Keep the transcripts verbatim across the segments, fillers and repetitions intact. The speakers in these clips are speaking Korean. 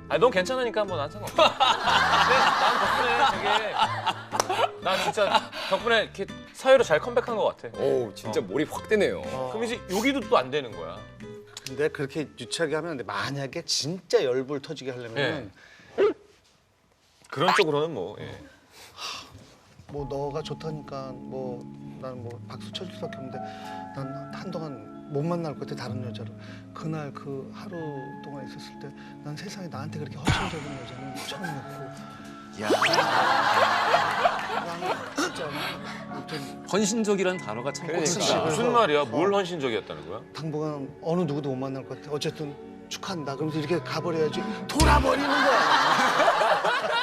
아니 넌 괜찮으니까 뭐 난 상관없어. 근데 난 덕분에 되게 난 진짜 덕분에 이렇게 사회로 잘 컴백한 것 같아. 오 진짜 어. 몰입 확 되네요. 어. 그럼 이제 여기도 또 안 되는 거야. 근데 그렇게 유치하게 하면 안 돼. 만약에 진짜 열불 터지게 하려면 그런 쪽으로는 뭐. 예. 뭐 너가 좋다니까 뭐 나는 뭐 박수 쳐줄 수밖에 없는데 난 한동안 못 만날 것 같아 다른 여자를. 그날 그 하루 동안 있었을 때 난 세상에 나한테 그렇게 허심적인 여자는 처음이었고. 야. 나는 진짜 좀 헌신적이라는 단어가 참 그러니까. 꽂힌다. 무슨 말이야? 뭘 헌신적이었다는 거야? 당분간 어느 누구도 못 만날 것 같아. 어쨌든 축하한다. 그러면서 이렇게 가버려야지. 돌아버리는 거야.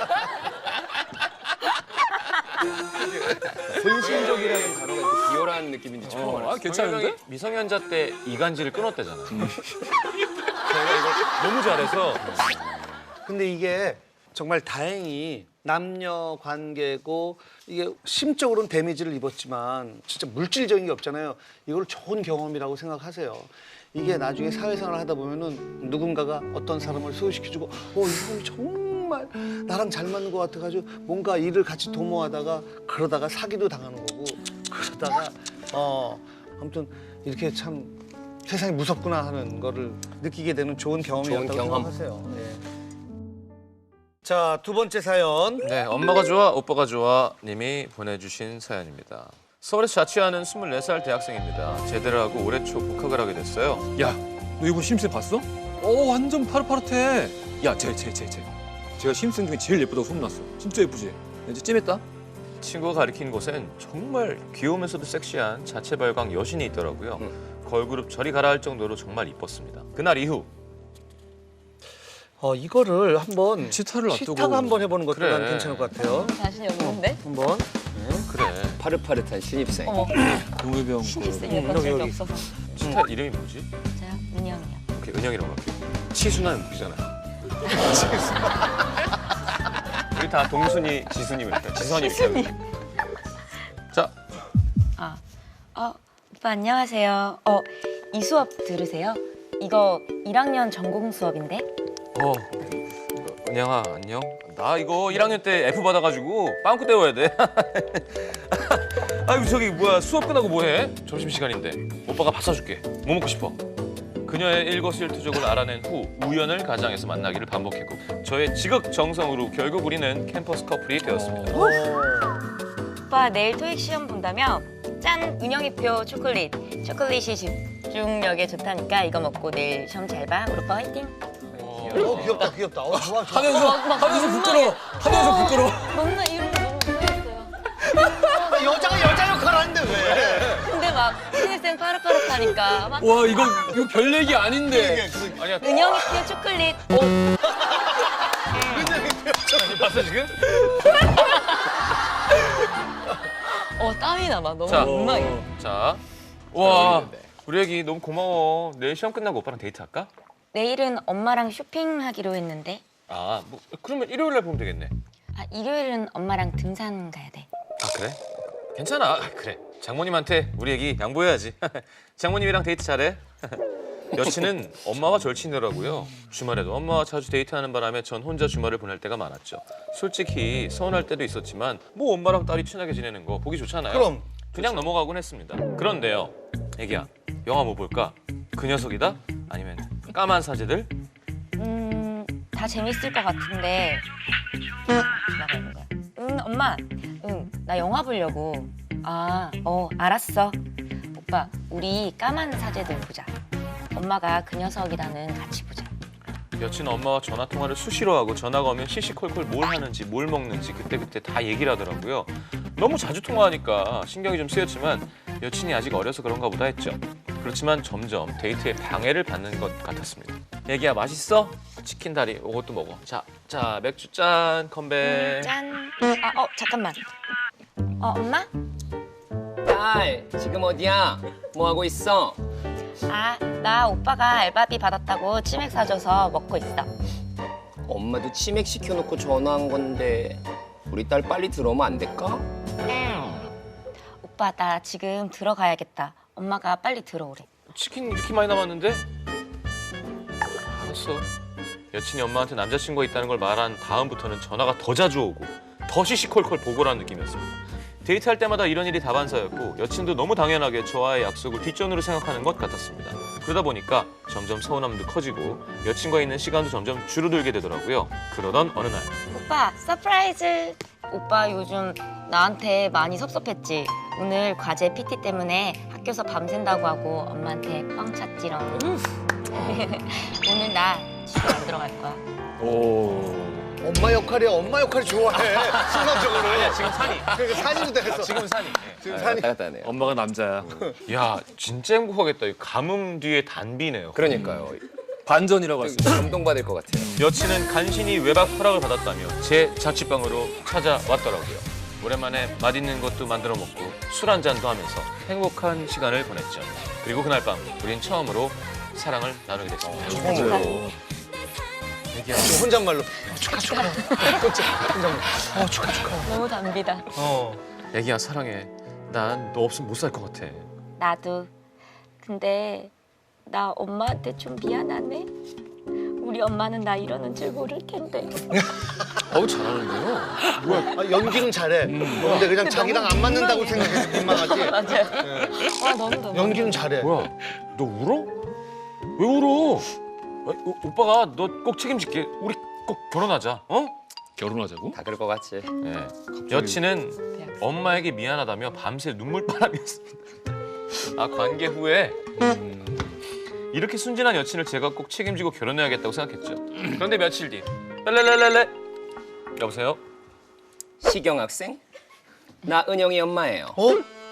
헌신적이라는 단어가 이렇게 비열한 느낌인지 처음 어, 알았어요. 아, 괜찮은데? 미성년자 때 이간질을 끊었대잖아. 제가 이걸 너무 잘해서. 근데 이게 정말 다행히 남녀 관계고 이게 심적으로는 데미지를 입었지만 진짜 물질적인 게 없잖아요. 이걸 좋은 경험이라고 생각하세요. 이게 나중에 사회생활을 하다 보면은 누군가가 어떤 사람을 소개시켜주고 어, 이 사람이 정말 나랑 잘 맞는 것 같아가지고 뭔가 일을 같이 도모하다가 그러다가 사기도 당하는 거고 그러다가 어 아무튼 이렇게 참 세상이 무섭구나 하는 거를 느끼게 되는 좋은 경험이었다고 좋은 경험. 생각하세요. 예. 자, 두 번째 사연. 네, 엄마가 좋아, 오빠가 좋아 님이 보내주신 사연입니다. 서울에서 자취하는 스물네 살 대학생입니다. 제대를 하고 올해 초 복학을 하게 됐어요. 야, 너 이거 심슨 봤어? 어, 완전 파릇파릇해. 야, 쟤, 쟤, 쟤, 쟤. 제가 심슨 중에 제일 예쁘다고 소문났어. 진짜 예쁘지? 이제 찜했다? 친구가 가리킨 곳엔 정말 귀여우면서도 섹시한 자체 발광 여신이 있더라고요. 걸그룹 저리 가라 할 정도로 정말 이뻤습니다. 그날 이후 어, 이거를 한번 치타를 놔두고. 치타가 한번 해보는 것도 그래. 난 괜찮을 것 같아요. 자신이 없는데? 한번. 그래 파릇파릇한 신입생. 어머, 동해병 그 신입생이니까 여기, 적이 여기. 없어서. 치타 이름이 뭐지? 저요? 은영이요. 오케이, 은영이라고 할게요. 치순한 무기잖아. 우리 다 동순이, 지순이 이렇게 지선이 이렇게 하는 거야. 자, 아, 어, 오빠 안녕하세요. 어, 이 수업 들으세요? 이거 일 학년 전공 수업인데? 어, 은영아 안녕. 나 이거 일 학년 때 F 받아가지고 빵꾸 때워야 돼. 아이고 저기 뭐야 수업 끝나고 뭐해? 점심 시간인데. 오빠가 밥 사줄게. 뭐 먹고 싶어? 그녀의 일거수일투족을 알아낸 후 우연을 가장해서 만나기를 반복했고 저의 지극정성으로 결국 우리는 캠퍼스 커플이 되었습니다. 오빠 내일 토익 시험 본다며? 짠! 은영이표 초콜릿. 초콜릿이 집중력에 좋다니까 이거 먹고 내일 시험 잘 봐. 우리 오빠 화이팅! 어, 귀엽다, 귀엽다. 어, 좋아, 좋아. 하면서, 하면서 부끄러워. 하면서 부끄러워. 너무나 이런 거 너무 좋아했어요. 여자가 여자 역할 하는데 왜? 근데 막 신입생 파릇파릇하니까 막 와, 이거, 이거 별 얘기 아닌데. 아니야. 은영이표 초콜릿. 봤어 지금? 어, 땀이 나막 너무 자. 민망해. 자, 와 우리 애기 너무 고마워. 내일 시험 끝나고 오빠랑 데이트할까? 내일은 엄마랑 쇼핑하기로 했는데 아, 뭐 그러면 일요일 날 보면 되겠네. 아, 일요일은 엄마랑 등산 가야 돼. 아 그래? 괜찮아. 아, 그래. 장모님한테 우리 애기 양보해야지. 장모님이랑 데이트 잘해. 여친은 엄마와 절친이더라고요. 주말에도 엄마와 자주 데이트하는 바람에 전 혼자 주말을 보낼 때가 많았죠. 솔직히 서운할 때도 있었지만 뭐 엄마랑 딸이 친하게 지내는 거 보기 좋잖아요. 그럼. 그냥 넘어가곤 했습니다. 그런데요. 애기야, 영화 뭐 볼까? 그 녀석이다? 아니면 까만 사제들? 음, 다 재밌을 것 같은데. 나가 있는 거야. 응, 엄마. 응, 나 영화 보려고. 아, 어, 알았어. 오빠, 우리 까만 사제들 보자. 엄마가 그 녀석이라는 같이 보자. 여친 엄마와 전화 통화를 수시로 하고 전화가 오면 시시콜콜 뭘 하는지 뭘 먹는지 그때그때 다 얘기를 하더라고요. 너무 자주 통화하니까 신경이 좀 쓰였지만 여친이 아직 어려서 그런가 보다 했죠. 그렇지만 점점 데이트에 방해를 받는 것 같았습니다. 애기야 맛있어? 치킨 다리 이것도 먹어. 자, 자 맥주 짠 컴백. 짠. 아, 어, 잠깐만. 어, 엄마? 딸 지금 어디야? 뭐 하고 있어? 아, 나 오빠가 알바비 받았다고 치맥 사줘서 먹고 있어. 엄마도 치맥 시켜놓고 전화한 건데 우리 딸 빨리 들어오면 안 될까? 오빠, 나 지금 들어가야겠다. 엄마가 빨리 들어오래. 치킨 이렇게 많이 남았는데? 알았어. 여친이 엄마한테 남자친구가 있다는 걸 말한 다음부터는 전화가 더 자주 오고 더 시시콜콜 보고라는 느낌이었습니다. 데이트할 때마다 이런 일이 다반사였고 여친도 너무 당연하게 저와의 약속을 뒷전으로 생각하는 것 같았습니다. 그러다 보니까 점점 서운함도 커지고 여친과 있는 시간도 점점 줄어들게 되더라고요. 그러던 어느 날 오빠 서프라이즈. 오빠 요즘 나한테 많이 섭섭했지. 오늘 과제 피티 때문에 학교에서 밤샌다고 하고 엄마한테 뻥 찼지롱. 오늘 나 집에 안 들어갈 거야. 오. 엄마 역할이야. 엄마 역할이 좋아해. 순간적으로. 아니야 지금 산이 그러니까 산이부터 했어. 지금 산이 지금 아, 산이. 왔다 갔다 하네요. 엄마가 남자야. 야 진짜 행복하겠다. 이 가뭄 뒤에 단비네요. 그러니까요. 반전이라고 할 수 있어. 감동받을 것 같아요. 여친은 간신히 외박 허락을 받았다며 제 자취방으로 찾아왔더라고요. 오랜만에 맛있는 것도 만들어 먹고 술 한잔도 하면서 행복한 시간을 보냈죠. 그리고 그날 밤 우린 처음으로 사랑을 나누게 됐습니다. 맞아요. 지금 혼잣말로 어, 축하 축하. 혼자 혼잣말. 어 축하 축하. 너무 담비다. 어, 애기야 사랑해. 난 너 없으면 못 살 것 같아. 나도. 근데 나 엄마한테 좀 미안하네. 우리 엄마는 나 이러는 줄 모를 텐데. 어우 잘하는데요. 아, 연기는 잘해. 어, 근데 그냥 자기랑 안 맞는다고 생각해서 민망하지. 맞아요. 와 너무 너무. 연기는 잘해. 뭐야? 너 울어? 왜 울어? 아, 오, 오빠가 너 꼭 책임질게. 우리 꼭 결혼하자. 어? 결혼하자고? 다 그럴 것 같지. 네. 여친은 엄마에게 미안하다며 밤새 눈물바람이었습니다. 아 관계 후에 음, 이렇게 순진한 여친을 제가 꼭 책임지고 결혼해야겠다고 생각했죠. 그런데 며칠 뒤 랄랄랄랄레 여보세요? 시경 학생? 나 은영이 엄마예요. 어?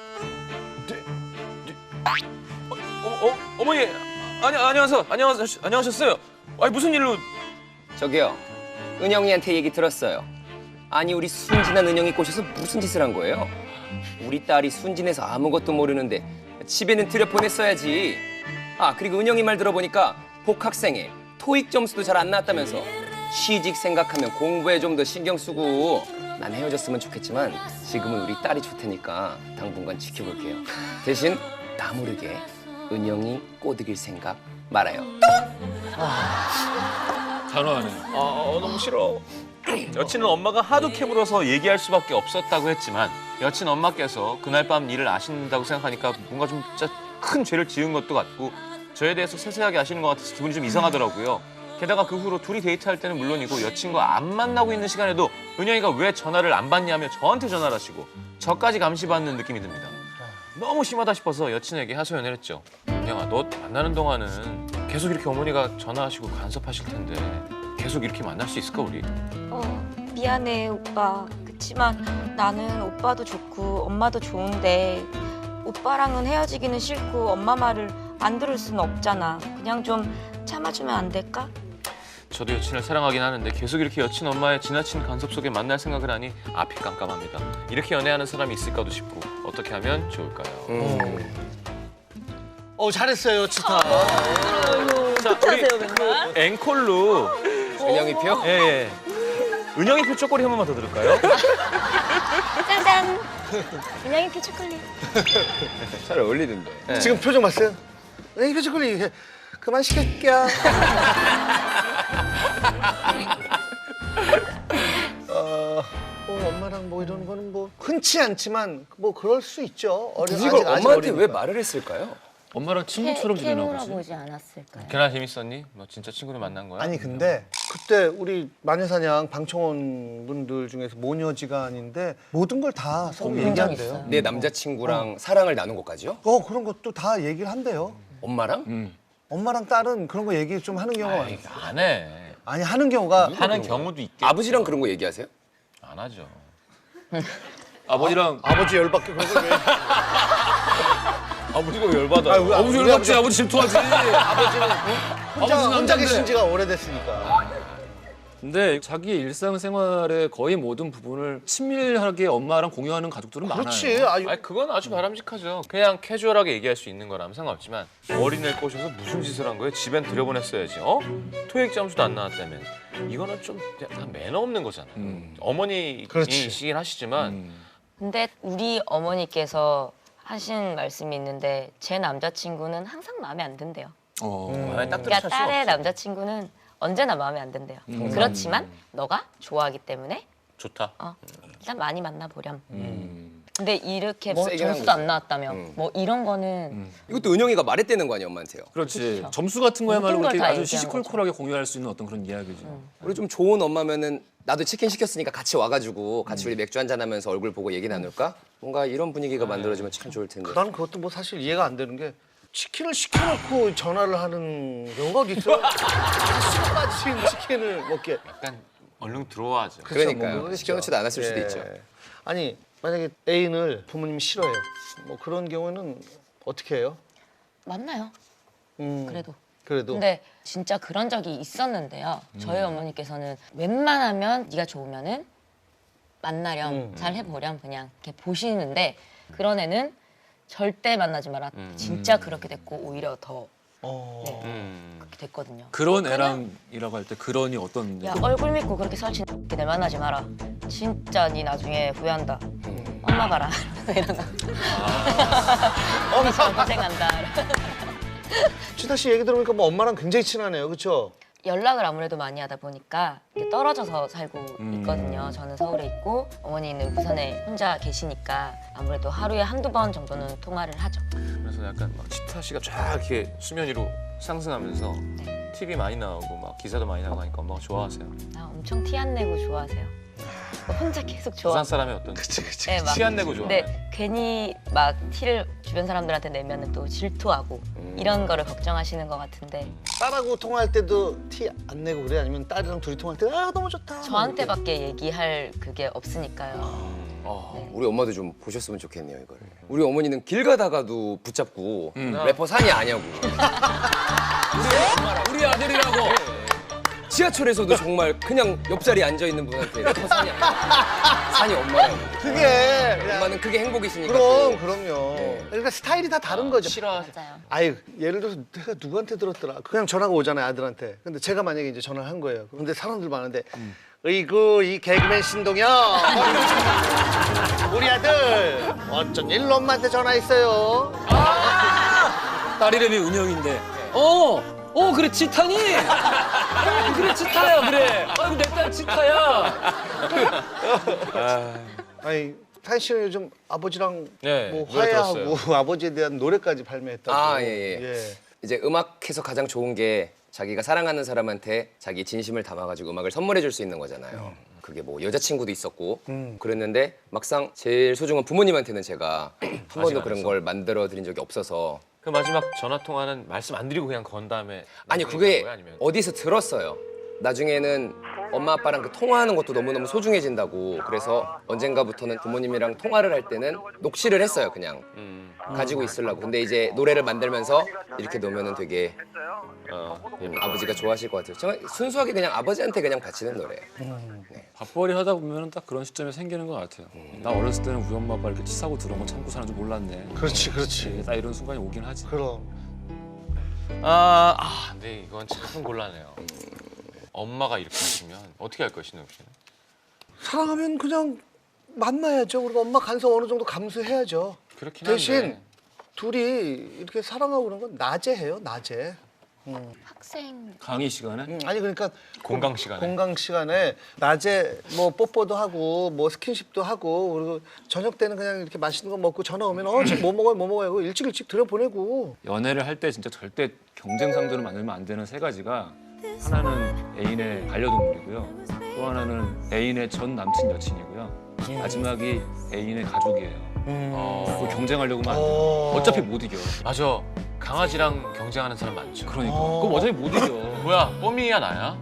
어, 어 어머니 아니 안녕하세요 안녕하셨 안녕하셨어요. 아니 무슨 일로? 저기요. 은영이한테 얘기 들었어요. 아니 우리 순진한 은영이 꼬셔서 무슨 짓을 한 거예요? 우리 딸이 순진해서 아무것도 모르는데 집에는 들여보냈어야지. 아 그리고 은영이 말 들어보니까 복학생에 토익 점수도 잘 안 나왔다면서 취직 생각하면 공부에 좀 더 신경 쓰고. 난 헤어졌으면 좋겠지만 지금은 우리 딸이 좋다니까 당분간 지켜볼게요. 대신 나 모르게 은영이 꼬드길 생각 말아요. 단호하네. 아 어, 너무 싫어. 여친은 엄마가 하도 캐물어서 얘기할 수밖에 없었다고 했지만 여친 엄마께서 그날 밤 일을 아신다고 생각하니까 뭔가 좀 진짜 큰 죄를 지은 것도 같고 저에 대해서 세세하게 아시는 것 같아서 기분이 좀 이상하더라고요. 게다가 그 후로 둘이 데이트할 때는 물론이고 여친과 안 만나고 있는 시간에도 은영이가 왜 전화를 안 받냐며 저한테 전화를 하시고 저까지 감시받는 느낌이 듭니다. 너무 심하다 싶어서 여친에게 하소연을 했죠. 은영아 너 만나는 동안은 계속 이렇게 어머니가 전화하시고 간섭하실 텐데 계속 이렇게 만날 수 있을까 우리? 어 미안해 오빠. 그치만 나는 오빠도 좋고 엄마도 좋은데 오빠랑은 헤어지기는 싫고 엄마 말을 안 들을 수는 없잖아. 그냥 좀 참아주면 안 될까? 저도 여친을 사랑하긴 하는데 계속 이렇게 여친 엄마의 지나친 간섭 속에 만날 생각을 하니 앞이 깜깜합니다. 이렇게 연애하는 사람이 있을까도 싶고 어떻게 하면 좋을까요? 음. 어 잘했어요 치타. 자, 우리 그 앵콜로 은영이 표? 예, 예. 은영이 표 쪼꼬리 한 번만 더 들을까요? 짜잔. 은영이표 초콜릿. 잘 어울리던데. 네. 지금 표정 봤어요? 이 표정 꼴리 그만 시킬게요. 어, 뭐 엄마랑 뭐 이런 거는 뭐 흔치 않지만 뭐 그럴 수 있죠. 어려, 굳이 이걸 아직- 아직 엄마한테 왜 어리니까. 말을 했을까요? 엄마랑 친구처럼 지내나 보지. 보지 않았을까요? 걔나 재밌었니? 너 진짜 친구를 만난 거야? 아니 근데 그때 우리 마녀사냥 방청원 분들 중에서 모녀지간인데 모든 걸 다 서로 본적 얘기한대요. 있어요. 내 남자친구랑 사랑을 나눈 것까지요? 어 그런 것도 다 얘기를 한대요. 엄마랑? 음. 엄마랑 딸은 그런 거 얘기 좀 하는 경우가 많아요. 안 해. 아니 하는 경우가 하는 경우도 있겠죠. 아버지랑 그런 거 얘기하세요? 안 하죠. 아버지랑 아버지 열받게 그런 걸 왜? 아버지가 열받아. 아유, 아버지 우리 열받지. 아버지 질투하지. 아버지는 혼자 아버지는 혼자 남잔데. 계신 지가 오래됐으니까. 근데 자기의 일상생활의 거의 모든 부분을 친밀하게 엄마랑 공유하는 가족들은 그렇지. 많아요. 아유, 아니 그건 아주 바람직하죠. 그냥 캐주얼하게 얘기할 수 있는 거라면 상관없지만 어린애를 꼬셔서 무슨 짓을 한 거예요? 집엔 들여보냈어야지. 어? 토익 점수도 안 나왔다며. 이거는 좀 약간 매너 없는 거잖아요. 음. 그렇지. 어머니이시긴 하시지만 음. 근데 우리 어머니께서 하신 말씀이 있는데 제 남자친구는 항상 마음에 안 든대요. 어. 음. 아니, 딱 그러니까 들으실 수 딸의 없어. 남자친구는 언제나 마음에 안 든대요. 음. 그렇지만 너가 좋아하기 때문에 좋다. 어, 일단 많이 만나보렴. 음. 근데 이렇게 뭐 뭐 세게 한 점수도 안 거죠. 나왔다며 음. 뭐 이런 거는 음. 이것도 은영이가 말했다는 거 아니야 엄마한테요. 그렇지. 그렇죠. 점수 같은 거야말로 모든 걸 그렇게 다 아주 얘기한 시시콜콜하게 공유할 수 있는 어떤 그런 이야기죠. 우리 좀 좋은 엄마면은 나도 치킨 시켰으니까 같이 와가지고 같이 우리 맥주 한잔 하면서 얼굴 보고 얘기 나눌까? 뭔가 이런 분위기가 만들어지면 참 좋을 텐데. 난 그것도 뭐 사실 이해가 안 되는 게 치킨을 시켜놓고 전화를 하는 경우가 어디 있어요? 술 빠진 치킨을 먹게. 약간 얼른 들어와죠. 그쵸, 그러니까요. 뭐 그러겠죠. 시켜놓지도 않았을 수도 예. 있죠. 아니 만약에 애인을 부모님이 싫어해요. 뭐 그런 경우는 어떻게 해요? 만나요. 음, 그래도. 그래도 근데 진짜 그런 적이 있었는데요. 저희 어머니께서는 웬만하면 네가 좋으면은 만나렴, 음. 잘 해보렴 그냥 이렇게 보시는데 그런 애는 절대 만나지 마라. 음. 진짜 그렇게 됐고 오히려 더 어. 네, 음. 그렇게 됐거든요. 그런 그냥- 애랑이라고 할 때 그런이 어떤 야 얼굴 믿고 그렇게 설친 들 만나지 마라. 진짜 네 나중에 후회한다. 엄마 봐라. 이런 거. 엄마처럼 고생한다. 치타 씨 얘기 들어보니까 뭐 엄마랑 굉장히 친하네요, 그렇죠? 연락을 아무래도 많이 하다 보니까 이렇게 떨어져서 살고 음. 있거든요. 저는 서울에 있고 어머니는 부산에 혼자 계시니까 아무래도 하루에 한두 번 정도는 통화를 하죠. 그래서 약간 막 치타 씨가 쫙 이렇게 수면 위로 상승하면서 네. 티비 많이 나오고 막 기사도 많이 나오고 하니까 엄마가 좋아하세요. 아, 엄청 티 안 내고 좋아하세요. 혼자 계속 좋아. 부산 사람이 어떤 그치, 그치. 네, 막- 티 안 내고 좋아해. 근데 괜히 막 티를 주변 사람들한테 내면은 또 질투하고 이런 거를 걱정하시는 것 같은데 딸하고 통화할 때도 티 안 내고 그래? 아니면 딸이랑 둘이 통화할 때 아 너무 좋다. 저한테밖에 얘기할 그게 없으니까요. 아, 네. 우리 엄마도 좀 보셨으면 좋겠네요 이걸. 우리 어머니는 길 가다가도 붙잡고 음. 래퍼 산이 아냐고. 우리 아들이라고. 지하철에서도 정말 그냥 옆자리에 앉아 있는 분한테 래퍼 산이 아니야. 산이 엄마라고. 그게 그냥 엄마는 그게 행복이시니까. 그럼 또. 그럼요. 네. 그러니까 스타일이 다 다른 거죠. 싫어. 맞아요. 아유 예를 들어서 내가 누구한테 들었더라. 그냥 전화가 오잖아요 아들한테. 근데 제가 만약에 이제 전화를 한 거예요. 근데 사람들 많은데 으이구 이 개그맨 신동엽 우리 아들 어쩐 일로 엄마한테 전화했어요. 딸 이름이 은영인데. 어, 어 그래 치타니. 어, 그래 치타야 그래. 아이고 내 딸 치타야. 아니 타이 씨는 요즘 아버지랑 네, 뭐 노래 화해하고 아버지에 대한 노래까지 발매했다고. 아, 예, 예. 이제 음악해서 가장 좋은 게 자기가 사랑하는 사람한테 자기 진심을 담아가지고 음악을 선물해 줄 수 있는 거잖아요. 그게 뭐 여자친구도 있었고 음. 그랬는데 막상 제일 소중한 부모님한테는 제가 한 번도 안 그런 했어. 걸 만들어 드린 적이 없어서 그 마지막 전화 통화는 말씀 안 드리고 그냥 건 다음에 아니 나중에 그게 간 거야? 아니면 어디서 들었어요. 나중에는 엄마 아빠랑 그 통화하는 것도 너무너무 소중해진다고 그래서 언젠가부터는 부모님이랑 통화를 할 때는 녹취를 했어요 그냥 음, 가지고 있으려고. 근데 이제 노래를 만들면서 이렇게 놓으면은 되게 어, 음, 아버지가 좋아하실 것 같아요. 정말 순수하게 그냥 아버지한테 그냥 바치는 노래예요. 밥벌이 하다 보면 딱 그런 시점이 생기는 것 같아요. 나 어렸을 때는 우리 엄마 아빠 이렇게 치사고 들어온 거 참고 사는 줄 몰랐네. 그렇지 그렇지. 딱 이런 순간이 오긴 하지. 그럼 아, 아, 근데 이건 참 곤란해요. 엄마가 이렇게 하시면 어떻게 할 거예요, 신동 씨는? 사랑하면 그냥 만나야죠. 우리가 엄마 간섭 어느 정도 감수해야죠. 그렇긴 한데. 대신 둘이 이렇게 사랑하고 그런 건 낮에 해요. 낮에. 학생 강의 시간에. 음, 아니 그러니까 공강 시간에. 공강 시간에 낮에 뭐 뽀뽀도 하고 뭐 스킨십도 하고 그리고 저녁 때는 그냥 이렇게 맛있는 거 먹고 전화 오면 어 지금 뭐 먹어요 뭐 먹어요 하고 일찍 일찍 들여보내고. 연애를 할 때 진짜 절대 경쟁 상대로 만들면 안 되는 세 가지가 하나는 애인의 반려동물이고요. 또 하나는 애인의 전 남친 여친이고요. 마지막이 애인의 가족이에요. 어, 그거 경쟁하려고 하면 안 돼요. 어. 어차피 못 이겨. 맞아. 강아지랑 경쟁하는 사람 많죠. 그러니까. 어. 그럼 어차피 못 이겨. 뭐야, 뽀미야 나야?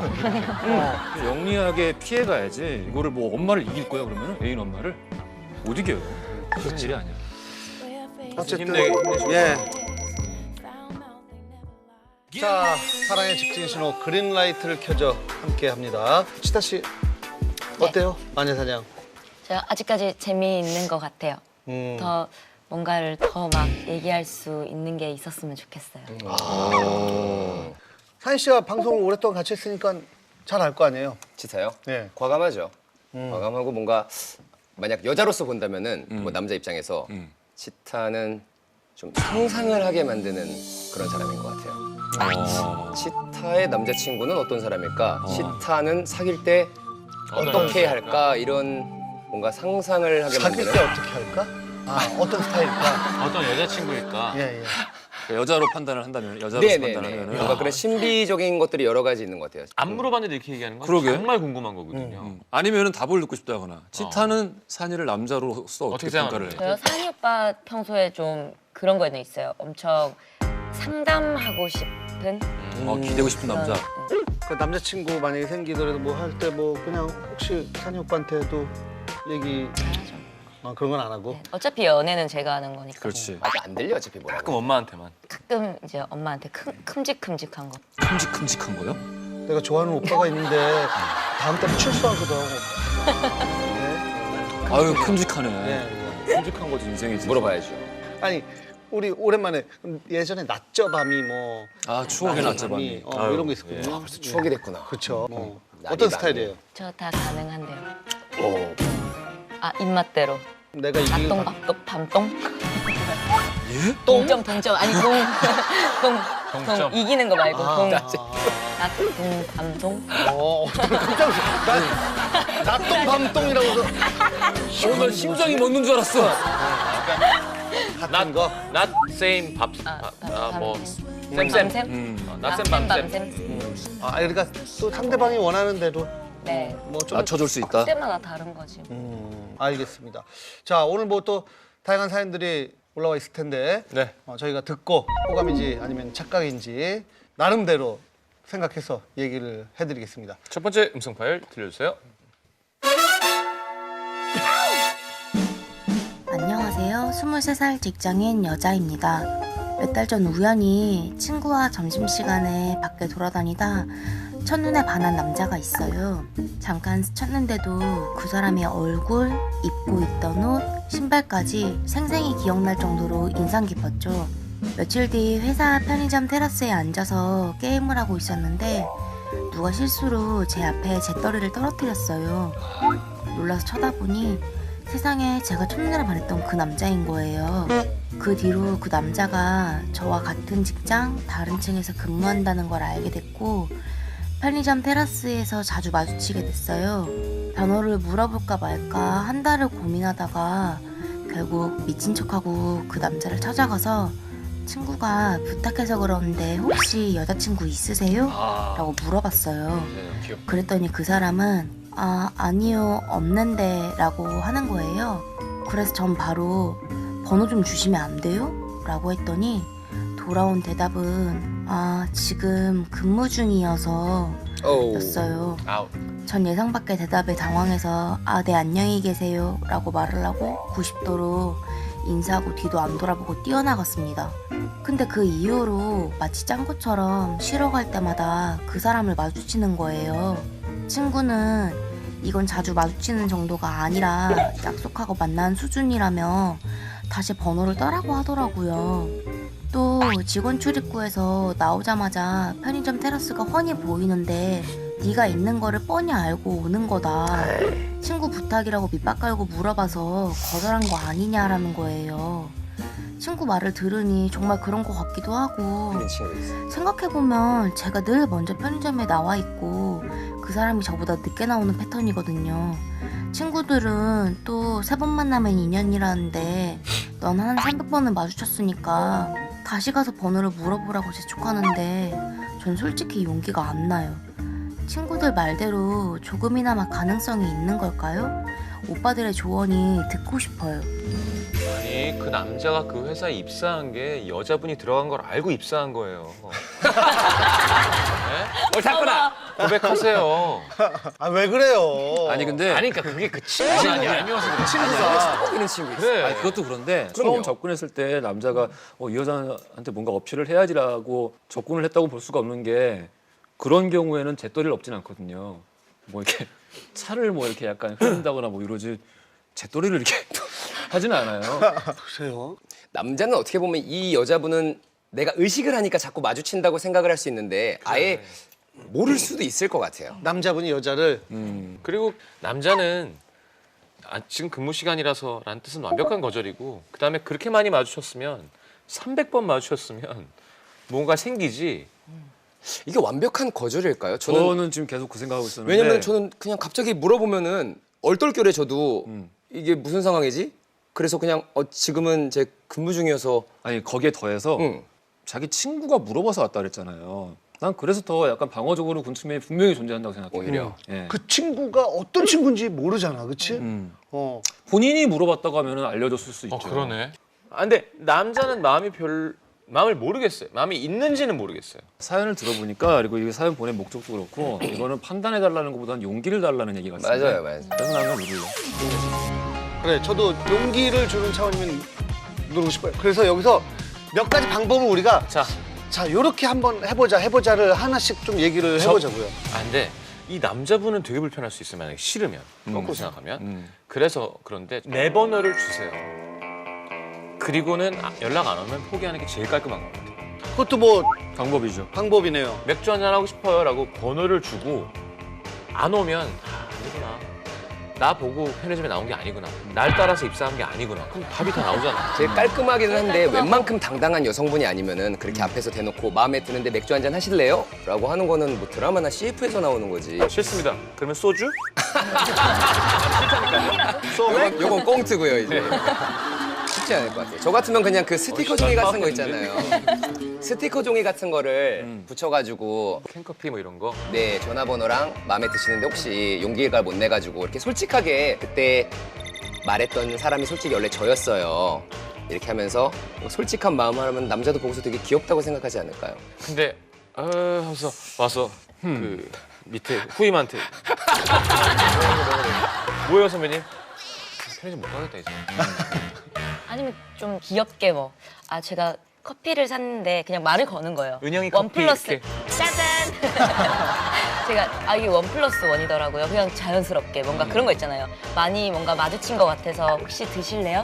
영리하게 피해가야지. 이거를 뭐 엄마를 이길 거야 그러면 애인 엄마를 못 이겨요. 그런 일이 아니야. 어쨌든 힘내게 힘내시고. 예. 자 사랑의 직진 신호 그린라이트를 켜줘 함께 합니다. 치타 씨 어때요 마녀사냥? 제가 아직까지 재미있는 것 같아요. 음. 더 뭔가를 더 막 얘기할 수 있는 게 있었으면 좋겠어요. 사인 씨가 방송을 오랫동안 같이 했으니까 잘 알 거 아니에요? 치타요? 네. 과감하죠. 음. 과감하고 뭔가 만약 여자로서 본다면은 뭐 남자 입장에서 음. 치타는 좀 상상을 하게 만드는 그런 사람인 것 같아요. 어. 치타 치타의 남자친구는 어떤 사람일까? 어. 치타는 사귈 때 어떻게 할까? 이런 뭔가 상상을 하게 사귈 만드는. 때 어떻게 할까? 아, 어떤 스타일일까? 어떤 여자친구일까? 예, 예. 그러니까 여자로 판단을 한다면 여자로 네네네. 판단하면은 뭔가 그런 신비적인 것들이 여러 가지 있는 것 같아요. 안 물어봤는데 이렇게 얘기하는 건 그러게. 정말 궁금한 거거든요. 음. 아니면은 답을 듣고 싶다거나 치타는 산이를 남자로서 어떻게, 어떻게 평가를 해? 저요 산이 오빠 평소에 좀 그런 거는 있어요. 엄청 상담하고 싶은 어, 기대고 싶은 남자. 그런, 그 남자친구 만약에 생기더라도 뭐 할 때 뭐 그냥 혹시 산이 오빠한테도 얘기 하죠. 아, 그런 건 안 하고 네. 어차피 연애는 제가 하는 거니까. 그렇지. 아직 안 들려 어차피 뭐라고. 가끔 엄마한테만. 가끔 이제 엄마한테 큼, 큼직큼직한 거. 큼직큼직한 거요? 내가 좋아하는 오빠가 있는데 다음 달에 출소하거든. 네. 아유 큼직하네. 네. 큼직한 거지 인생이지. 물어봐야죠. 아니 우리 오랜만에 예전에 낮저 밤이 뭐 아 추억의 낮저 밤이. 어, 아유, 이런 거 있었거든요. 벌써 추억이 됐구나. 그렇죠. 뭐 날이 어떤 많네. 스타일이에요? 저 다 가능한데요. 오. 아 입맛대로. 내가 이길 낮동 밥동 밤동. 예? 동점 동점 아니 동. 동. 동점. 동 이기는 거 말고 아, 동. 아, 낮동 밤동. 어, 깜짝 놀랐어. 나 낮동 밤동이라고 해서 오늘 심장이 멎는 줄 알았어. 같은 거. Not same 밥. 아, 아, 뭐 밤샘. 쌤쌤. 음. 어, 낮샘 밤샘. 밤샘. 아, 그러니까 또 상대방이 원하는 대로 네. 뭐좀 맞춰줄 수 있다. 때마다 다른 거지. 음, 알겠습니다. 자, 오늘 뭐 또 다양한 사연들이 올라와 있을 텐데 네. 어, 저희가 듣고 호감인지 아니면 착각인지 나름대로 생각해서 얘기를 해드리겠습니다. 첫 번째 음성 파일 들려주세요. 안녕하세요. 스물세 살 직장인 여자입니다. 몇 달 전 우연히 친구와 점심시간에 밖에 돌아다니다 첫눈에 반한 남자가 있어요. 잠깐 스쳤는데도 그 사람의 얼굴, 입고 있던 옷, 신발까지 생생히 기억날 정도로 인상 깊었죠. 며칠 뒤 회사 편의점 테라스에 앉아서 게임을 하고 있었는데 누가 실수로 제 앞에 재떨이를 떨어뜨렸어요. 놀라서 쳐다보니 세상에 제가 첫눈에 반했던 그 남자인 거예요. 그 뒤로 그 남자가 저와 같은 직장, 다른 층에서 근무한다는 걸 알게 됐고 편의점 테라스에서 자주 마주치게 됐어요. 번호를 물어볼까 말까 한 달을 고민하다가 결국 미친 척하고 그 남자를 찾아가서 친구가 부탁해서 그러는데 혹시 여자친구 있으세요? 아. 라고 물어봤어요. 네, 귀엽. 그랬더니 그 사람은 아 아니요 없는데 라고 하는 거예요. 그래서 전 바로 번호 좀 주시면 안 돼요? 라고 했더니 돌아온 대답은 아 지금 근무 중이어서 오. 였어요. 아우. 전 예상 밖의 대답에 당황해서 아 네 안녕히 계세요 라고 말을 하고 구십 도로 인사하고 뒤도 안 돌아보고 뛰어나갔습니다. 근데 그 이후로 마치 짱구처럼 쉬러 갈 때마다 그 사람을 마주치는 거예요. 친구는 이건 자주 마주치는 정도가 아니라 약속하고 만난 수준이라며 다시 번호를 따라고 하더라고요. 또 직원 출입구에서 나오자마자 편의점 테라스가 훤히 보이는데 네가 있는 거를 뻔히 알고 오는 거다. 친구 부탁이라고 밑밥 깔고 물어봐서 거절한 거 아니냐라는 거예요. 친구 말을 들으니 정말 그런 거 같기도 하고 그런 친구 있어. 생각해보면 제가 늘 먼저 편의점에 나와 있고 그 사람이 저보다 늦게 나오는 패턴이거든요. 친구들은 또 세 번 만나면 인연이라는데 넌 한 삼백 번을 마주쳤으니까 다시 가서 번호를 물어보라고 재촉하는데 전 솔직히 용기가 안 나요. 친구들 말대로 조금이나마 가능성이 있는 걸까요? 오빠들의 조언이 듣고 싶어요. 아니 그 남자가 그 회사에 입사한 게 여자분이 들어간 걸 알고 입사한 거예요. 네? 옳다구나. 고백하세요. 아 왜 그래요? 아니 근데 아니 그러니까 그게 그 친구가 아니 알면서 그래. 친구가 이런 친구 있어. 그래. 아니, 그것도 그런데 그럼요. 처음 접근했을 때 남자가 어, 이 여자한테 뭔가 어필을 해야지라고 접근을 했다고 볼 수가 없는 게 그런 경우에는 재떨이를 없진 않거든요. 뭐 이렇게 차를 뭐 이렇게 약간 흐린다거나 뭐 이러지 재떨이를 이렇게 하지는 않아요. 보세요. 남자는 어떻게 보면 이 여자분은 내가 의식을 하니까 자꾸 마주친다고 생각을 할 수 있는데 아예 모를 수도 있을 것 같아요. 남자분이 여자를 음. 그리고 남자는 아, 지금 근무 시간이라서 라는 뜻은 완벽한 거절이고 그다음에 그렇게 많이 마주쳤으면 삼백 번 마주쳤으면 뭔가 생기지 이게 완벽한 거절일까요? 저는, 저는 지금 계속 그 생각하고 있었는데 왜냐면 저는 그냥 갑자기 물어보면은 얼떨결에 저도 음. 이게 무슨 상황이지? 그래서 그냥 어, 지금은 제 근무 중이어서 아니 거기에 더해서 응. 자기 친구가 물어봐서 왔다 그랬잖아요. 난 그래서 더 약간 방어적으로 군 측면이 분명히 존재한다고 생각해요. 오히려. 예. 그 친구가 어떤 친구인지 모르잖아, 그치? 음. 어. 본인이 물어봤다고 하면 알려줬을 수 있죠. 어 그러네. 아 근데 남자는 마음이 별 마음을 모르겠어요. 마음이 있는지는 모르겠어요. 사연을 들어보니까 그리고 이 사연 보낸 목적도 그렇고 이거는 판단해달라는 것보다는 용기를 달라는 얘기 같은데. 맞아요, 맞아요. 그래서 나는 누를래. 그래, 저도 용기를 주는 차원이면 누르고 싶어요. 그래서 여기서 몇 가지 방법을 우리가 자, 자, 요렇게 한번 해보자, 해보자를 하나씩 좀 얘기를 저- 해보자고요. 아 근데 이 남자분은 되게 불편할 수 있어요. 만약에 싫으면 거꾸로 생각하면. 음. 그래서 그런데 내 번호를 주세요. 그리고는 아- 연락 안 오면 포기하는 게 제일 깔끔한 것 같아요. 그것도 뭐 방법이죠. 방법이네요. 맥주 한잔 하고 싶어요라고 번호를 주고 안 오면 아, 아니구나. 나 보고 편의점에 나온 게 아니구나. 날 따라서 입사한 게 아니구나. 그럼 답이 다 나오잖아. 제일 깔끔하기는 한데 웬만큼 당당한 여성분이 아니면은 그렇게 앞에서 대놓고 마음에 드는데 맥주 한잔 하실래요? 라고 하는 거는 뭐 드라마나 씨에프에서 나오는 거지. 싫습니다. 그러면 소주? 요건, 요건 꽁트고요 이제. 쉽지 않을 것 같아요. 저 같으면 그냥 그 스티커 종이 같은 거 있잖아요. 스티커 종이 같은 거를 붙여가지고 캔커피 뭐 이런 거. 네 전화번호랑 마음에 드시는데 혹시 용기가 못 내가지고 이렇게 솔직하게 그때 말했던 사람이 솔직히 원래 저였어요. 이렇게 하면서 솔직한 마음을 하면 남자도 보고서 되게 귀엽다고 생각하지 않을까요? 근데 어 하면서 와서 그 밑에 후임한테 뭐예요 선배님? 편의점 못 가겠다 이제. 아니면 좀 귀엽게 뭐 아 제가 커피를 샀는데 그냥 말을 거는 거예요. 은영이 원 커피 플러스 이렇게. 짜잔. 제가 아 이게 원 플러스 원이더라고요. 그냥 자연스럽게 뭔가 그런 거 있잖아요. 많이 뭔가 마주친 것 같아서 혹시 드실래요?